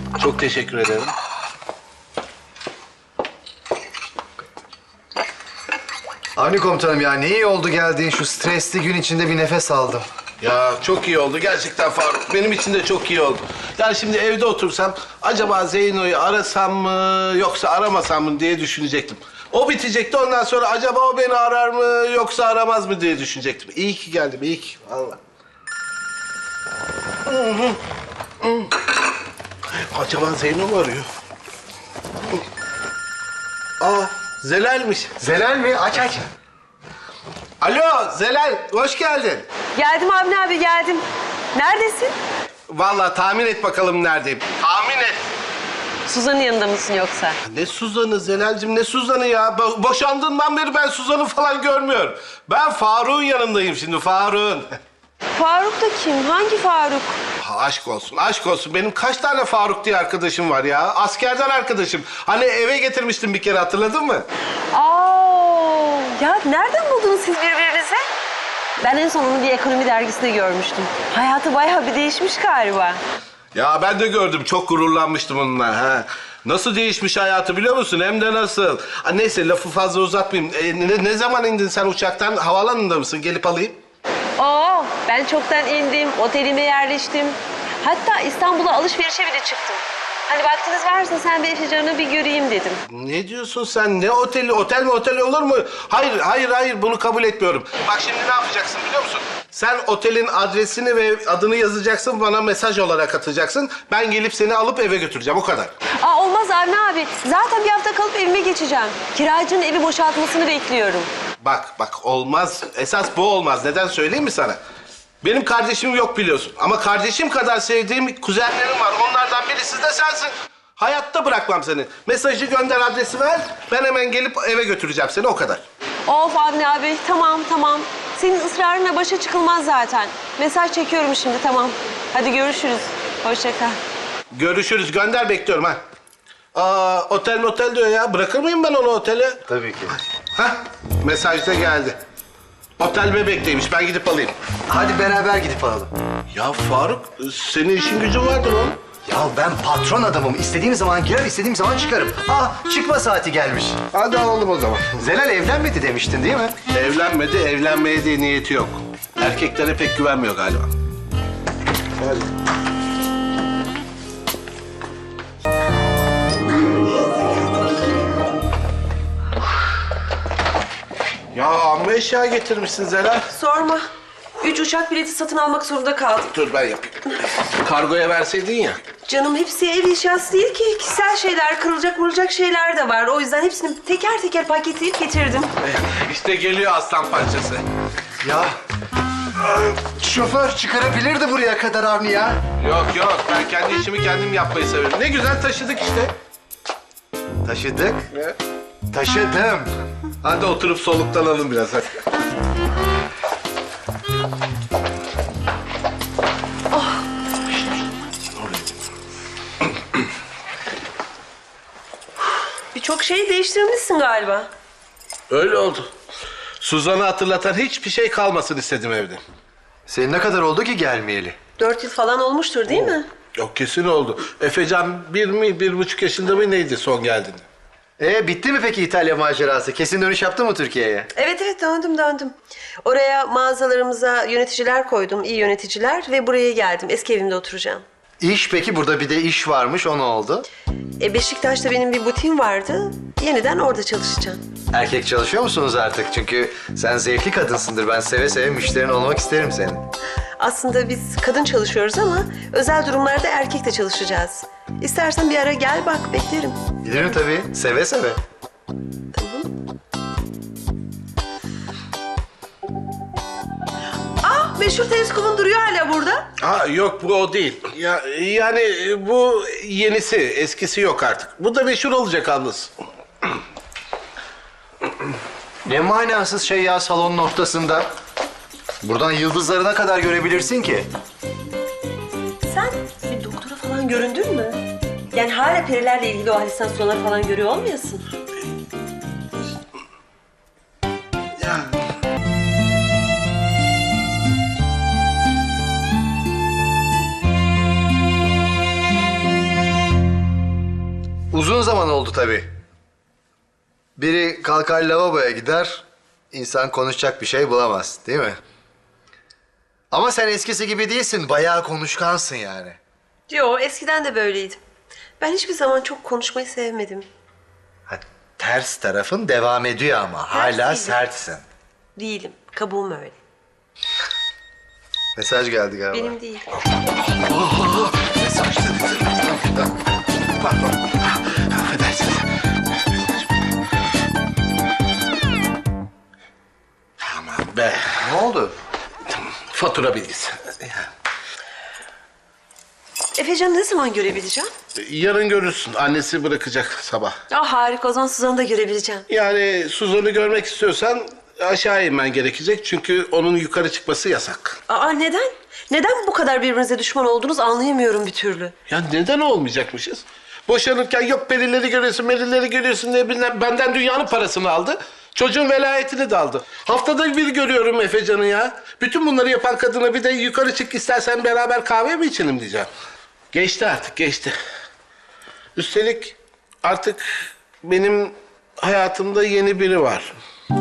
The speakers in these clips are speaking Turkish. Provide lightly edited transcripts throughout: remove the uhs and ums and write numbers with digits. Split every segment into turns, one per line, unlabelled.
Çok teşekkür ederim.
Avni komutanım ya ne iyi oldu geldiğin şu stresli gün içinde bir nefes aldım.
Ya çok iyi oldu gerçekten Faruk. Benim için de çok iyi oldu. Yani şimdi evde otursam acaba Zeyno'yu arasam mı yoksa aramasam mı diye düşünecektim. O bitecekti ondan sonra acaba o beni arar mı yoksa aramaz mı diye düşünecektim. İyi ki geldim, iyi ki. Vallahi. Acaba Zeyno mu arıyor? Aa, Zelal'miş.
Zelal mi? Aç aç.
Alo Zelal, hoş geldin.
Geldim Avni abi geldim. Neredesin?
Vallahi tahmin et bakalım neredeyim. Tahmin et.
Suzan'ın yanında mısın yoksa?
Ne Suzan'ı Zelal'cim, ne Suzan'ı ya? Boşandığından beri ben Suzan'ı falan görmüyorum. Ben Faruk'un yanındayım şimdi, Faruk'un.
Faruk da kim? Hangi Faruk?
Ha, aşk olsun, aşk olsun. Benim kaç tane Faruk diye arkadaşım var ya. Askerden arkadaşım. Hani eve getirmiştim bir kere, hatırladın mı?
Ya nereden buldunuz siz birbirinizi? Ben en son onu bir ekonomi dergisinde görmüştüm. Hayatı bayağı bir değişmiş galiba.
Ya ben de gördüm, çok gururlanmıştım onunla. Ha. Nasıl değişmiş hayatı biliyor musun? Hem de nasıl? Ha, neyse lafı fazla uzatmayayım. Ne zaman indin sen uçaktan? Havaalanında mısın? Gelip alayım.
Ben çoktan indim, otelime yerleştim. Hatta İstanbul'a alışverişe bile çıktım. Hani vaktiniz varsa sen bir Efecan'ı bir göreyim dedim.
Ne diyorsun sen? Ne oteli? Otel mi otel olur mu? Hayır bunu kabul etmiyorum. Bak şimdi ne yapacaksın biliyor musun? Sen otelin adresini ve adını yazacaksın, bana mesaj olarak atacaksın. Ben gelip seni alıp eve götüreceğim, o kadar.
Olmaz Avni abi. Zaten bir hafta kalıp evime geçeceğim. Kiracının evi boşaltmasını bekliyorum.
Bak olmaz. Esas bu olmaz. Neden söyleyeyim mi sana? Benim kardeşim yok biliyorsun. Ama kardeşim kadar sevdiğim kuzenlerim var. Onlardan birisi de sensin. Hayatta bırakmam seni. Mesajı gönder, adresi ver. Ben hemen gelip eve götüreceğim seni, o kadar.
Of Avni abi, tamam. Senin ısrarına başa çıkılmaz zaten. Mesaj çekiyorum şimdi, tamam. Hadi görüşürüz. Hoşça kal.
Görüşürüz. Gönder, bekliyorum ha. Otel diyor ya. Bırakır mıyım ben onu otele?
Tabii ki.
Hah, mesaj da geldi. Otel Bebek'teymiş. Ben gidip alayım.
Hadi beraber gidip alalım.
Ya Faruk, senin işin gücün vardır oğlum.
Ya ben patron adamım. İstediğim zaman girer, istediğim zaman çıkarım. Çıkma saati gelmiş.
Hadi alalım o zaman.
Zelal evlenmedi demiştin değil mi?
Evlenmedi, evlenmeye de niyeti yok. Erkeklere pek güvenmiyor galiba. Hadi. Ya amma eşya getirmişsin Zelal.
Sorma. 3 uçak bileti satın almak zorunda kaldım.
Dur ben yapayım. Kargoya verseydin ya.
Canım hepsi ev eşyası değil ki. Kişisel şeyler, kırılacak şeyler de var. O yüzden hepsini teker teker paketleyip getirdim.
İşte geliyor aslan parçası.
Ya şoför çıkarabilirdi buraya kadar Avni ya.
Yok, ben kendi işimi kendim yapmayı severim. Ne güzel taşıdık işte.
Taşıdık.
Ne?
Taşıdım.
Hadi oturup soluklanalım biraz hadi.
Birçok şeyi değiştirmişsin galiba.
Öyle oldu. Suzan'ı hatırlatan hiçbir şey kalmasın istedim evde.
Senin ne kadar oldu ki gelmeyeli?
4 yıl falan olmuştur değil mi?
Yok kesin oldu. Efecan 1,5 yaşında mı neydi son geldiğinde?
Bitti mi peki İtalya macerası? Kesin dönüş yaptı mı Türkiye'ye?
Evet döndüm. Oraya mağazalarımıza yöneticiler koydum, iyi yöneticiler ve buraya geldim. Eski evimde oturacağım.
İş peki burada bir de iş varmış o ne oldu?
Beşiktaş'ta benim bir butiğim vardı. Yeniden orada çalışacağım.
Erkek çalışıyor musunuz artık? Çünkü sen zevkli kadınsındır. Ben seve seve müşterin olmak isterim senin.
Aslında biz kadın çalışıyoruz ama özel durumlarda erkek de çalışacağız. İstersen bir ara gel bak, beklerim.
Bilirim tabii. Seve seve.
Meşhur teleskopun duruyor hala burada.
Yok bu o değil. Yani bu yenisi, eskisi yok artık. Bu da meşhur olacak yalnız.
Ne manasız şey ya salonun ortasında. Buradan yıldızlarına kadar görebilirsin ki.
Sen bir doktora falan göründün mü? Yani hala perilerle ilgili o halüsinasyonları falan görüyor olmayasın?
Yani.
Uzun zaman oldu tabii. Biri kalkar lavaboya gider, insan konuşacak bir şey bulamaz, değil mi? Ama sen eskisi gibi değilsin, bayağı konuşkansın yani.
Yo, eskiden de böyleydim. Ben hiçbir zaman çok konuşmayı sevmedim.
Ha, ters tarafın devam ediyor ama hala
değilim.
sertsin.
Değilim. Kabuğum öyle.
Mesaj geldi galiba.
Benim değil.
Mesaj dedi. Pardon. Affedersiniz. Aman be.
Ne oldu?
Fatura bilgisi.
Efecan'ı ne zaman görebileceğim?
Yarın görürsün. Annesi bırakacak sabah.
Ah harika, o zaman Suzan'ı da görebileceğim.
Yani Suzan'ı görmek istiyorsan aşağı inmen gerekecek. Çünkü onun yukarı çıkması yasak.
Aa neden? Neden bu kadar birbirinize düşman oldunuz anlayamıyorum bir türlü.
Ya neden olmayacakmışız? Boşanırken yok perileri görüyorsun, merileri görüyorsun diye bilmem benden dünyanın parasını aldı. Çocuğun velayetini de aldı. Haftada bir görüyorum Efecan'ı ya. Bütün bunları yapan kadına bir de yukarı çık istersen beraber kahve mi içelim diyeceğim. Geçti artık, geçti. Üstelik artık benim hayatımda yeni biri var.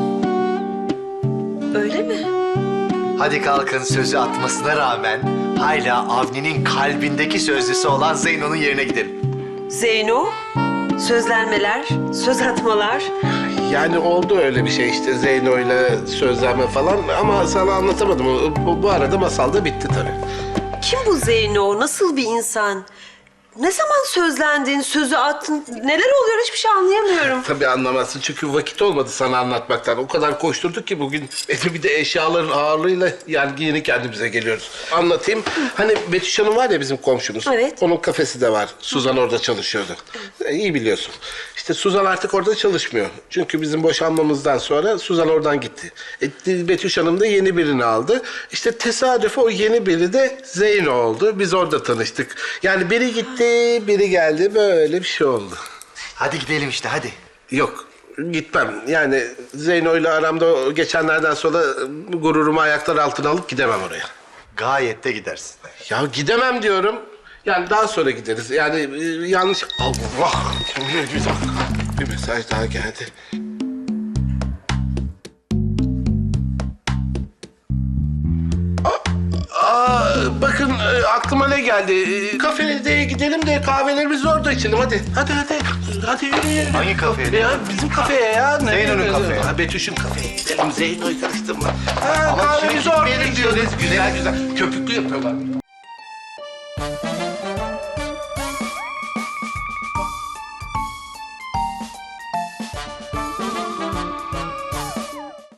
Öyle mi?
Hadi kalkın, sözü atmasına rağmen hala Avni'nin kalbindeki sözlüsü olan Zeyno'nun yerine gidelim.
Zeyno, sözlenmeler, söz atmalar.
Yani oldu öyle bir şey işte Zeyno'yla sözlenme falan ama sana anlatamadım. Bu arada masal da bitti tabii.
Kim bu Zeyno? Nasıl bir insan? Ne zaman sözlendin, sözü attın? Neler oluyor hiçbir şey anlayamıyorum.
Tabii anlamazsın çünkü vakit olmadı sana anlatmaktan. O kadar koşturduk ki bugün bir de eşyaların ağırlığıyla yani yeni kendimize geliyoruz. Anlatayım. Hani Betüş Hanım var ya bizim komşumuz.
Evet.
Onun kafesi de var. Suzan orada çalışıyordu. İyi biliyorsun. İşte Suzan artık orada çalışmıyor. Çünkü bizim boşanmamızdan sonra Suzan oradan gitti. Betüş Hanım da yeni birini aldı. İşte tesadüf o yeni biri de Zeyno oldu. Biz orada tanıştık. Yani biri gitti, biri geldi. Böyle bir şey oldu.
Hadi gidelim işte, hadi.
Yok, gitmem. Yani Zeyno'yla aramda geçenlerden sonra gururumu ayaklar altına alıp gidemem oraya.
Gayet de gidersin.
Ya gidemem diyorum. Yani daha sonra gideriz. Yani yanlış... Allah! Bir dakika. Bir mesaj daha geldi. Bakın aklıma ne geldi? Kafeye gidelim de kahvelerimizi orada içelim. Hadi, hadi, hadi. Hadi yürü.
Hangi kafeye?
Ya bizim kafeye ya.
Zeyno'nun kafeye.
Ha, Betüş'ün kafeye gidelim. Zeyno'yu karıştırma. Ha,
Ama
kahvemizi
şimdi
orada
gitmeyelim
içiyoruz.
diyoruz.
Güzel güzel. Köpüklü yapıyorlar.